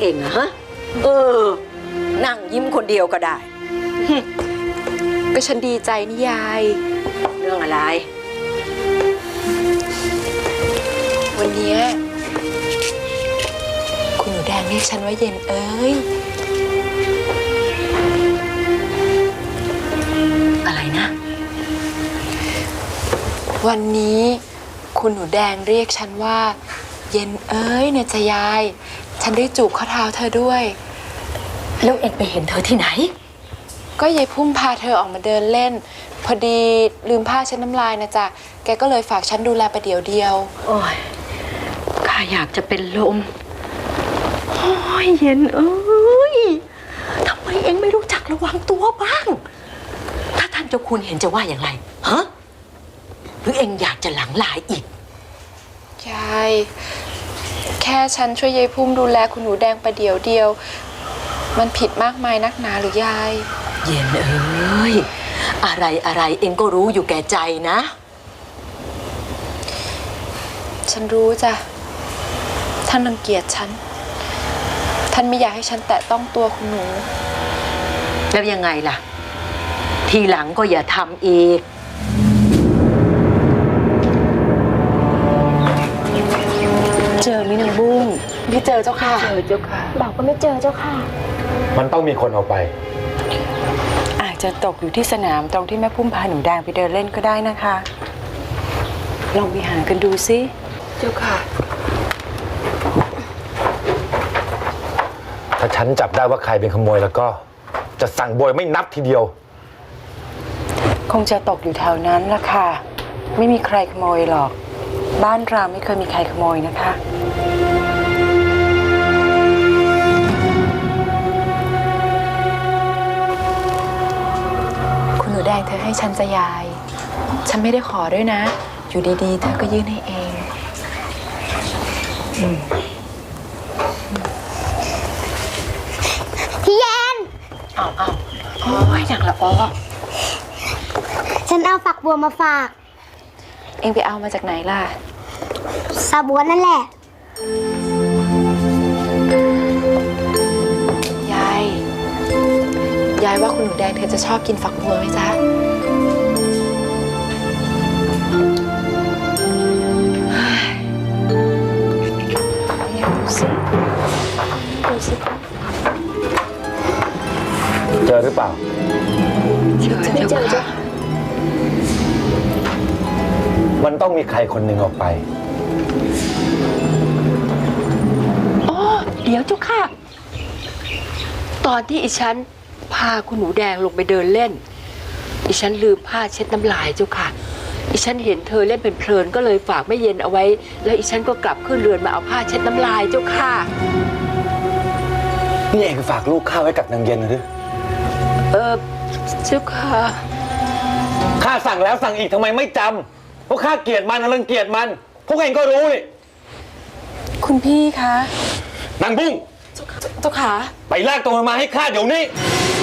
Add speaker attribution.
Speaker 1: องอะฮะนั่งยิ้มคนเดียวก็ได้
Speaker 2: ก็ฉันดีใจนี่ยาย
Speaker 1: เรื่องอะไร
Speaker 2: วันนี้คุณหนูแดงเรียกฉันว่าเย็นเอ้ย
Speaker 1: อะไรนะ
Speaker 2: วันนี้คุณหนูแดงเรียกฉันว่าเย็นเอ้ยเนี่ยจะยายฉันได้จูบข้อเท้าเธอด้วย
Speaker 1: แล้วเอ็งไปเห็นเธอที่ไหน
Speaker 2: ก็ยายพุ่มพาเธอออกมาเดินเล่นพอดีลืมผ้าเช็ดน้ำลายนะจ๊ะแกก็เลยฝากฉันดูแลประเดี๋ยวเดียว
Speaker 1: โอ้ยข้าอยากจะเป็นลมโอ้ยเย็นเอ้ยทำไมเอ็งไม่รู้จักระวังตัวบ้างถ้าท่านเจ้าคุณเห็นจะว่าอย่างไรฮะหรือเอ็งอยากจะหลังลายอีก
Speaker 2: ยายแค่ฉันช่วยยายพุ่มดูแลคุณหนูแดงประเดี๋ยวเดียวมันผิดมากมายนักหนาหรือยาย
Speaker 1: เย็นเอ้ยอะไรเอ็งก็รู้อยู่แก่ใจนะ
Speaker 2: ฉันรู้จ้ะท่านรังเกียจฉันท่านไม่อยากให้ฉันแตะต้องตัวคุณหนู
Speaker 1: แล้วยังไงล่ะทีหลังก็อย่าทำอีกเจอมินางบุ้ง
Speaker 2: ไม่เจอเจ้าค่ะ
Speaker 1: เจอเจ้าค่ะ
Speaker 3: บอกว่าไม่เจอเจ้าค่ะ
Speaker 4: มันต้องมีคนเอาไป
Speaker 5: อาจจะตกอยู่ที่สนามตรงที่แม่พุ่มพาหนูแดงไปเดินเล่นก็ได้นะคะลองไปหากันดูสิ
Speaker 2: เจ้าค่ะ
Speaker 4: ถ้าฉันจับได้ว่าใครเป็นขโมยแล้วก็จะสั่งโบยไม่นับทีเดียว
Speaker 5: คงจะตกอยู่แถวนั้นละค่ะไม่มีใครขโมยหรอกบ้านเราไม่เคยมีใครขโมยนะคะ
Speaker 2: คุณหนูแดงเธอให้ฉันจะยายฉันไม่ได้ขอด้วยนะอยู่ดีๆเธอก็ยื่นให้เอง
Speaker 3: พี่แยน
Speaker 1: เอาโอ้ยอย่างละอ้อ
Speaker 3: ฉันเอาฝักบัวมาฝาก
Speaker 2: เองไปเอามาจากไหนล่ะ
Speaker 3: สาบัวนั่นแหละ
Speaker 2: ยายว่าคุณหนูแดงเธอจะชอบกินฝักบัวไหมจ๊ะดูสิ
Speaker 4: เจอหรือเปล่า
Speaker 1: เจอจ้ะ
Speaker 4: มันต้องมีใครคนหนึ่งออกไป
Speaker 1: อ๋อเดี๋ยวเจ้าค่ะตอนที่อิฉันพาคุณหนูแดงลงไปเดินเล่นอิฉันลืมผ้าเช็ดน้ำลายเจ้าค่ะอิฉันเห็นเธอเล่นเป็นเพลินก็เลยฝากแม่เย็นเอาไว้แล้วอิฉันก็กลับขึ้นเรือนมาเอาผ้าเช็ดน้ำลายเจ้าค่ะ
Speaker 4: นี่เองฝากลูกข้าไว้กับนางเย็นหรือ
Speaker 1: เจ้าค่ะ
Speaker 4: ข้าสั่งแล้วสั่งอีกทำไมไม่จำเพราะข้าเกลียดมันรังเกียจมันพวกเองก็รู้นี่
Speaker 2: คุณพี่คะ
Speaker 4: นางบุ้ง
Speaker 2: เจ้าขา
Speaker 4: ไปลากตัวมันมาให้ข้าเดี๋ยวนี้